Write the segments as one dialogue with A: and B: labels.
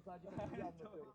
A: sadece bilgi anlatıyorum.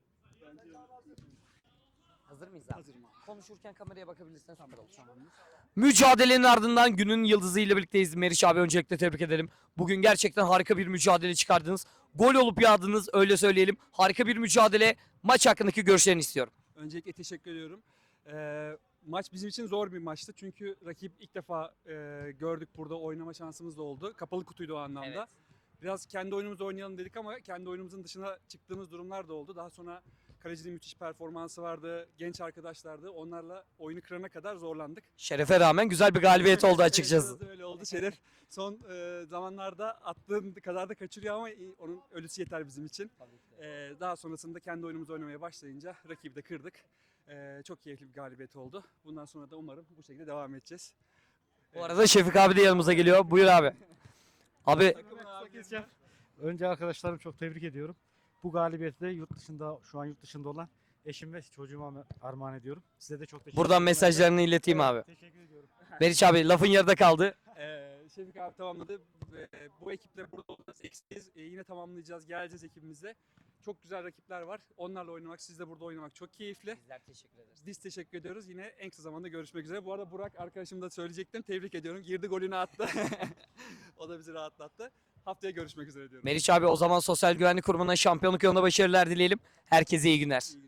A: Hazır mıyız abi?
B: Hazırım abi.
A: Konuşurken kameraya bakabilirsen süper olur. Mücadelenin ardından günün yıldızı ile birlikteyiz. Meriç abi öncelikle tebrik edelim. Bugün gerçekten harika bir mücadele çıkardınız. Gol olup yağdınız öyle söyleyelim. Harika bir mücadele. Maç hakkındaki görüşlerini istiyorum.
B: Öncelikle teşekkür ediyorum. Maç bizim için zor bir maçtı. Çünkü rakip ilk defa gördük, burada oynama şansımız da oldu. Kapalı kutuydu o anlamda.
A: Evet.
B: Biraz kendi oyunumuzu oynayalım dedik ama kendi oyunumuzun dışına çıktığımız durumlar da oldu. Daha sonra kalecinin müthiş performansı vardı. Genç arkadaşlardı. Onlarla oyunu kırana kadar zorlandık.
A: Şerefe rağmen güzel bir galibiyet oldu açıkçası.
B: Evet, biraz öyle oldu. Şeref son zamanlarda attığın kadar da kaçırıyor ama onun ölüsü yeter bizim için. Daha sonrasında kendi oyunumuzu oynamaya başlayınca rakibi de kırdık. Çok keyifli bir galibiyet oldu. Bundan sonra da umarım bu şekilde devam edeceğiz.
A: Bu arada Şefik abi de yanımıza geliyor. Buyur abi. Abi
C: Önce arkadaşlarım çok tebrik ediyorum. Bu galibiyeti de şu an yurt dışında olan eşim ve çocuğuma armağan ediyorum. Size de çok teşekkür
A: buradan
C: ederim.
A: mesajlarını ileteyim
C: Evet,
A: abi.
C: Teşekkür ediyorum.
A: Meriç abi lafın yarıda kaldı.
B: Şefik abi tamamladı. Bu ekiple burada olacağız. Eksiyiz. Yine tamamlayacağız. Geleceğiz ekibimizle. Çok güzel rakipler var. Onlarla oynamak, sizle burada oynamak çok keyifli.
A: Bizler teşekkür ederiz.
B: Biz teşekkür ediyoruz. Yine en kısa zamanda görüşmek üzere. Bu arada Burak arkadaşım da söyleyecektim. Tebrik ediyorum. Girdi, golünü attı. O da bizi rahatlattı. Haftaya görüşmek üzere diyorum.
A: Meriç abi o zaman Sosyal Güvenlik Kurumu'na şampiyonluk yolunda başarılar dileyelim. Herkese iyi günler.
B: İyi günler.